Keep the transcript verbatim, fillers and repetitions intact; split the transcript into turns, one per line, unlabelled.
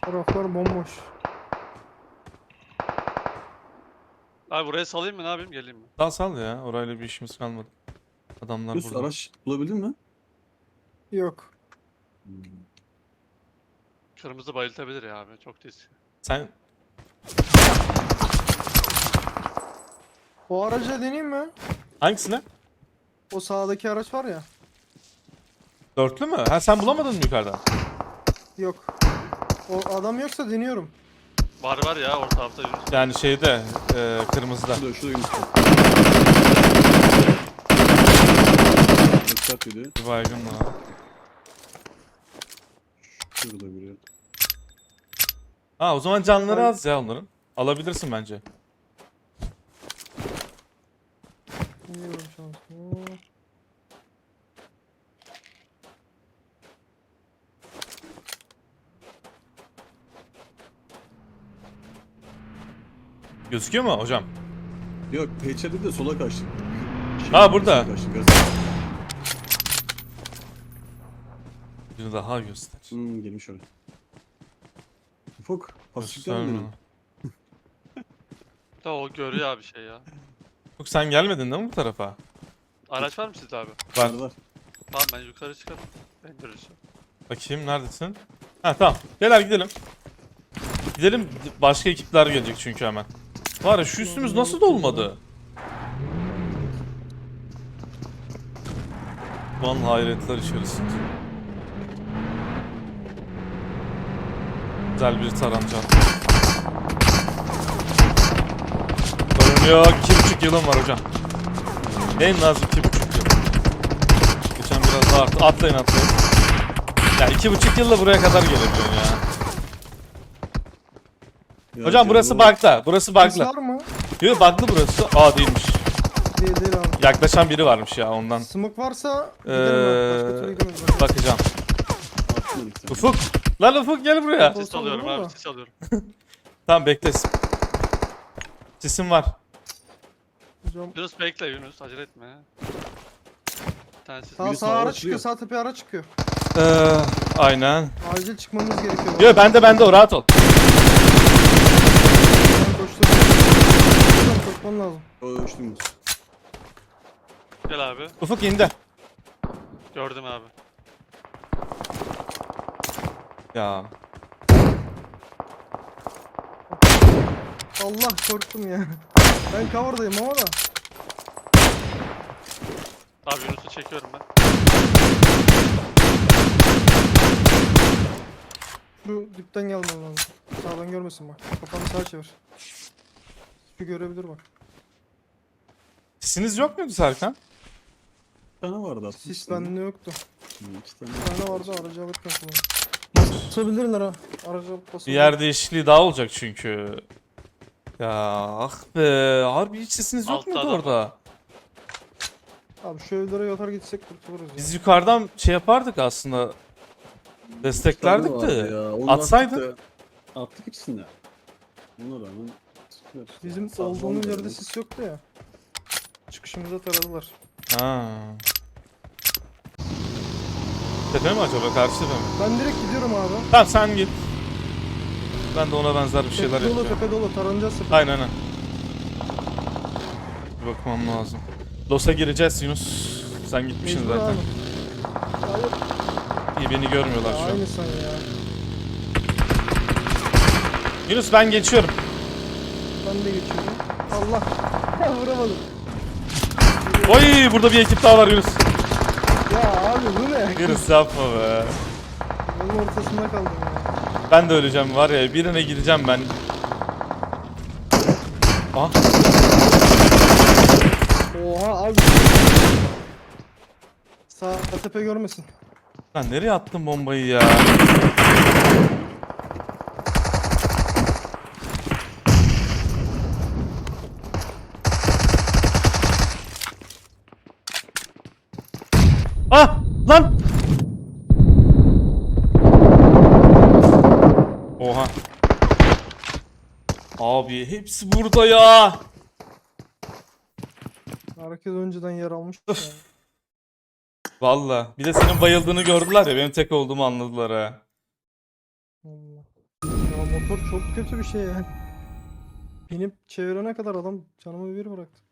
Taraflar bomboş.
Abi buraya salayım mı, ne yapayım, geleyim mi?
Sal sal ya. Orayla bir işimiz kalmadı. Adamlar
Yusuf
burada.
araç bulabildin mi?
Yok.
Hmm.
Kırmızı bayıltabilir ya abi, çok riskli.
Sen
O araca deneyeyim mi?
hangisine?
O sağdaki araç var ya.
Dörtlü mü? Ha sen bulamadın mı yukarıda?
Yok. O adam yoksa deniyorum.
Var var ya orta tarafta Yunus.
Yani şeyde e, kırmızıda.
Şurada şurada Yusuf. Dikkat yedi.
Bir baygın var.
Şurada biri.
Ha o zaman canları
Ay.
az ya onların. Alabilirsin bence.
Deniyorum şansımı.
Gözüküyor mu hocam?
Yok peçete de sola kaçtı. Şey,
Ha, burada.
sola kaçtı, gaz-
Bir daha göster.
Hmm, gelmiş oraya. Ufuk. Hafiflikten
Gösterme.
mi?
Da o görüyor abi şey ya.
Yok sen gelmedin değil mi bu tarafa?
Araç var mı sizde abi?
Var.
Var var.
Tamam ben yukarı çıkarım. Ben göreceğim.
Bakayım neredesin? Ha tamam. Gel hadi gidelim. Gidelim. Başka ekipler gelecek çünkü hemen. Var ya şu üstümüz nasıl dolmadı? Van hayretler içerisinde. Güzel bir taranca. Sorun yok. İki buçuk yılım var hocam. En az iki buçuk yıl. Geçen biraz daha arttı. Atlayın atlayın. Ya iki buçuk yılla buraya kadar gelebiliyorsun ya.
Ya,
Hocam burası
canım,
bug'da. Burası
Ses
bug'lı.
var mı?
Yok bug'lı burası. Aa değilmiş.
Değil değil abi.
Yaklaşan biri varmış ya ondan.
Smoke varsa
Ee,
giderim ben. Başka türlü gidemeyiz. Bak.
Bakacağım.
atmadık sen.
Ufuk. Lan Ufuk gel buraya.
Ufuk.
Sis alıyorum
olur
abi,
mu?
sis alıyorum.
Tamam bekle. Sisim var.
Hocam.
Yunus bekle Yunus, acele etme. Bir tane sis.
Sağ,
Biri
sağ
sağa
ara
açılıyor.
çıkıyor. Sağ tepeye ara çıkıyor.
Ee, aynen.
Acil çıkmamız gerekiyor.
Yok bende bende o rahat ol.
Ben koştum. Hocam koşman lazım.
O ölçtüm Yusuf.
Gel abi.
Ufuk indi.
Gördüm abi.
Ya.
Allah korktum ya. Ben cover'dayım ama da.
Abi Yunus'u çekiyorum ben.
Şu dipten gelmem lazım. Sağdan görmesin bak. Kafanı sağa çevir. Şu görebilir bak.
Sisiniz yok muydu Serkan?
Bir tane vardı aslında.
Sis bende yoktu.
Hmm, iki tane.
Bir tane vardı aracı alırken kullandım. Basabilirler ha. Aracı alıp
Bir
basabilirler.
yer değişikliği daha olacak çünkü. Ya ah be. Harbi hiç sesiniz yok
Altta
muydu
adam
orada?
Abi şu evlere yatar gitsek kurtuluruz ya.
Biz yukarıdan şey yapardık aslında. Desteklerdik
Bir tane vardı
de.
ya, onu
Atsaydın.
Attık, da- attık ikisini de. Ona rağmen sıkıyor işte.
Bizim
Sağ-
olduğumuz
sağ-
yerde sis yoktu ya. Çıkışımıza taradılar.
Ha. Tepe mi acaba? Karşı tepe mi?
Ben direkt gidiyorum abi.
Tamam sen git. Ben de ona benzer bir şeyler
Tepe dolu
yapacağım.
tepe dolu taranacağız sefer.
Aynen aynen. Bir bakmam lazım. Los'a gireceğiz Yunus. Sen gitmişsin
Mecbur
zaten.
abi. Hayır.
İyi beni görmüyorlar
Ya
şu an.
aynı sen ya.
Yunus ben geçiyorum.
Ben de geçiyorum. Allah. Ya vuramadım.
Oy burada bir ekip daha var Yunus.
Ya abi bu ne?
Yunus yapma be.
Yolun ortasında kaldım ya.
Ben de öleceğim var ya birine gideceğim ben. Aha.
Oha abi. Sağ tepe görmesin.
Lan nereye attın bombayı ya? Ah! Lan! Oha. Abi hepsi burada ya.
Herkes önceden yer almış. Yani.
Valla. Bir de senin bayıldığını gördüler ya benim tek olduğumu anladılar ha.
Allah. Ya motor çok kötü bir şey ya. Binip çevirene kadar adam canımı bir bıraktı.